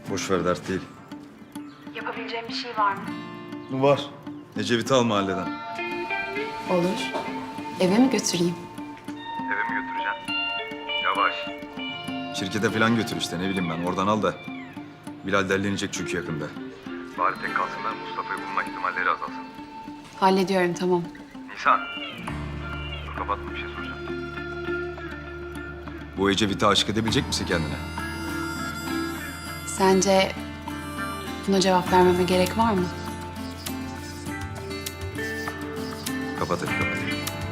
Boş ver, dert değil. Yapabileceğim bir şey var mı? Var. Ecevit'i al mahalleden. Olur. Eve mi götüreyim? Eve mi götüreceksin? Yavaş. Şirkete falan götür işte, ne bileyim ben. Oradan al da. Bilal derlenecek çünkü yakında. Bari tek kalsınlar, Mustafa'yı bulma ihtimalleri azalsın. Hallediyorum, tamam. Nisan. Dur, kapatma, bir şey soracağım. Bu Ecevit'e aşık edebilecek misin kendine? Sence buna cevap vermeme gerek var mı? Kapat hadi, kapat.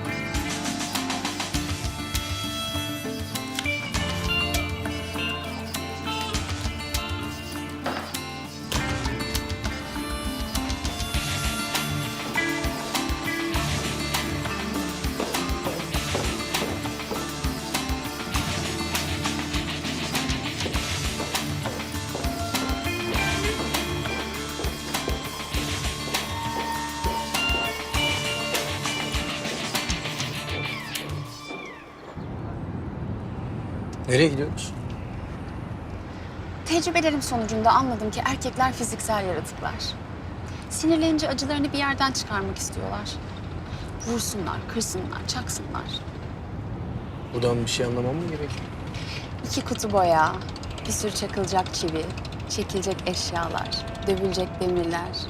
Nereye gidiyoruz? Tecrübelerim sonucunda anladım ki erkekler fiziksel yaratıklar. Sinirlenince acılarını bir yerden çıkarmak istiyorlar. Vursunlar, kırsınlar, çaksınlar. Buradan bir şey anlamam mı gerekiyor? 2 kutu boya, bir sürü çakılacak çivi, çekilecek eşyalar, dövülecek demirler. Cık.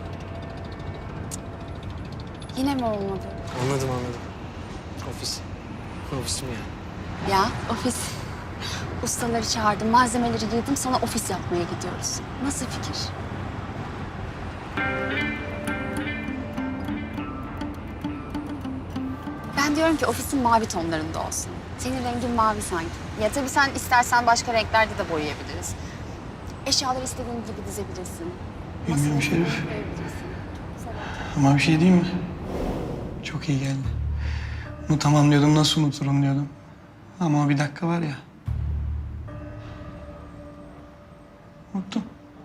Yine mi olmadı? Anladım. Ofis. Ofisim yani. Ya ofis. Ustaları çağırdım, malzemeleri yığdım, sana ofis yapmaya gidiyoruz. Nasıl fikir? Ben diyorum ki ofisin mavi tonlarında olsun. Senin rengin mavi sanki. Ya tabii sen istersen başka renklerde de boyayabiliriz. Eşyaları istediğin gibi dizebilirsin. Bilmiyorum Masanı Şerif. koyabilirsin. Ama bir şey diyeyim mi? Çok iyi geldi. Unutamam diyordum, nasıl unuturum diyordum. Ama o bir dakika var ya. Unuttum.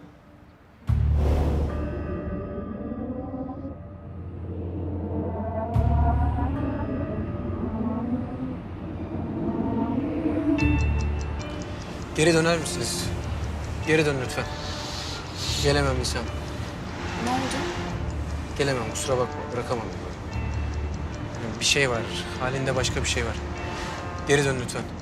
Geri döner misiniz? Geri dön lütfen. Gelemem Nisan. Ne oldu? Gelemem, kusura bakma. Bırakamam. Yani bir şey var. Halinde başka bir şey var. Geri dön lütfen.